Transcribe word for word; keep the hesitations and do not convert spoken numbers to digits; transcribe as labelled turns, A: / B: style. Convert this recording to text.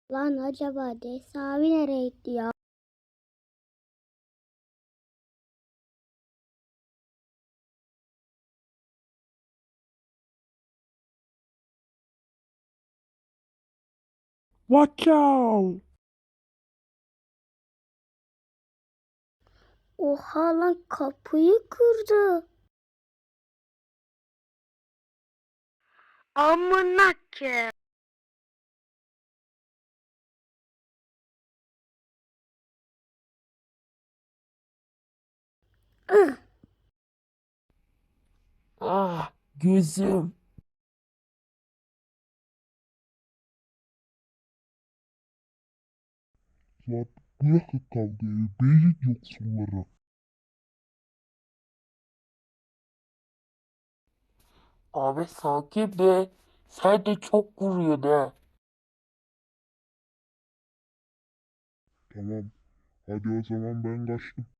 A: Lan acaba Desi abi nereye gitti ya?
B: Watch out!
A: Oha lan kapıyı kırdı. Amına ke. Ih,
B: Ah, gözüm.
C: Lan bırakın kavgayı, beyin yoksulları.
B: Abi sakin be. Sen de çok vuruyorsun ha.
C: Tamam, hadi o zaman ben kaçtım.